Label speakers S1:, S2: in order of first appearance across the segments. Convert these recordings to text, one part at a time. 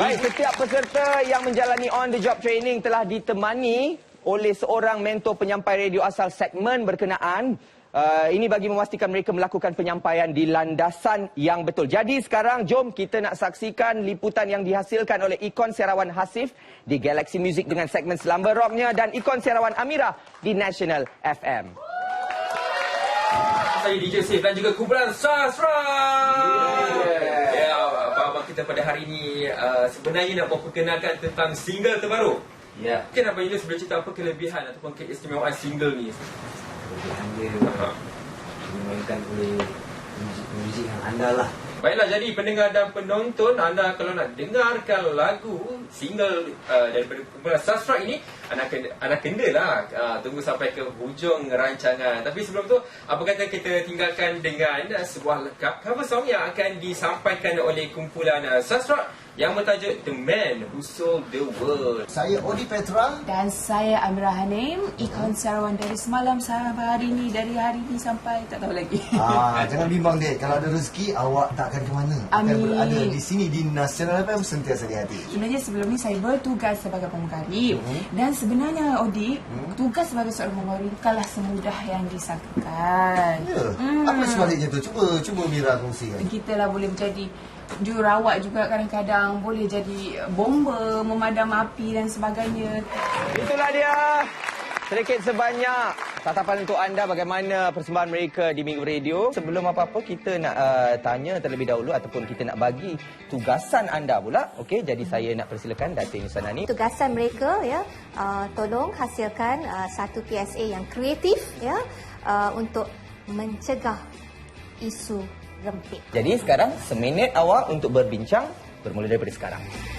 S1: Baik, setiap peserta yang menjalani on the job training telah ditemani oleh seorang mentor penyampai radio asal segmen berkenaan. Ini bagi memastikan mereka melakukan penyampaian di landasan yang betul. Jadi sekarang jom kita nak saksikan liputan yang dihasilkan oleh Ikon Serawan Hasif di Galaxy Music dengan segmen Selamba Rocknya dan Ikon Serawan Amira di National FM.
S2: Saya DJ Sif dan juga kumpulan Sastra. Abang kita pada hari ini sebenarnya nak memperkenalkan tentang single terbaru.
S3: Ya.
S2: Mungkin Abang Yunus boleh cerita apa kelebihan ataupun keistimewaan single ni?
S3: Kelebihan dia dimainkan oleh muzik yang andal lah.
S2: Baiklah, jadi pendengar dan penonton, anda kalau nak dengarkan lagu single daripada kumpulan Sastra ini, anda kenalah tunggu sampai ke hujung rancangan. Tapi sebelum tu, apa kata kita tinggalkan dengan sebuah cover song yang akan disampaikan oleh kumpulan Sastra yang bertajuk The Man Who Sold the World.
S4: Saya Odi Petra.
S5: Dan saya Amira Hanim, Ikon Serawan dari semalam sampai hari ni, dari hari ni sampai tak tahu lagi.
S4: Jangan bimbang dek, kalau ada rezeki awak tak akan ke mana.
S5: Amin.
S4: Akan berada di sini di National FM sentiasa di hati.
S5: Sebenarnya sebelum ni saya bertugas sebagai pemenggarip. Dan sebenarnya Odi, tugas sebagai seorang pemenggarip bukanlah semudah yang disangkakan.
S4: Ya. Apa sebaliknya tu? Cuba Mira kongsikan.
S5: Kita lah boleh menjadi jururawat juga kadang-kadang, boleh jadi bomber, memadam api dan sebagainya.
S1: Itulah dia. Sedikit sebanyak tatapan untuk anda bagaimana persembahan mereka di Minggu Radio. Sebelum apa-apa kita nak tanya terlebih dahulu ataupun kita nak bagi tugasan anda pula. Okey, jadi saya nak persilakan Datin Nusanani.
S6: Tugasan mereka ya, tolong hasilkan satu PSA yang kreatif ya, untuk mencegah isu rempit.
S1: Jadi sekarang seminit awak untuk berbincang bermula daripada sekarang.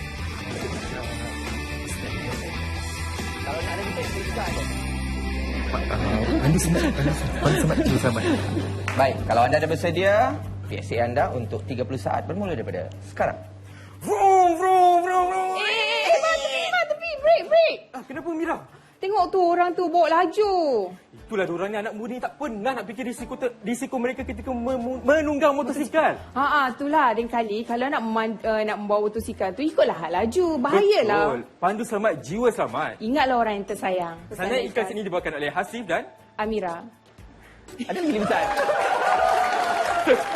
S1: Kalau nak ada kita juga ada.
S3: Anda sempat sabar.
S1: Baik, kalau anda dah bersedia, PSA anda untuk 30 saat bermula daripada sekarang.
S2: Vroom, vroom, vroom, vroom.
S5: Tepi, break.
S2: Kenapa Mira?
S5: Tengok tu orang tu bawa laju.
S2: Itulah diorang ni, anak muda ni tak pernah nak fikir risiko mereka ketika menunggang motosikal.
S5: Itulah lain kali kalau nak membawa motosikal tu ikutlah hal laju. Bahayalah.
S2: Betul. Pandu selamat, jiwa selamat.
S5: Ingatlah orang yang tersayang.
S2: Sana ikan sini dibawakan oleh Hasif dan
S5: Amira.
S1: Ada lagi liputan.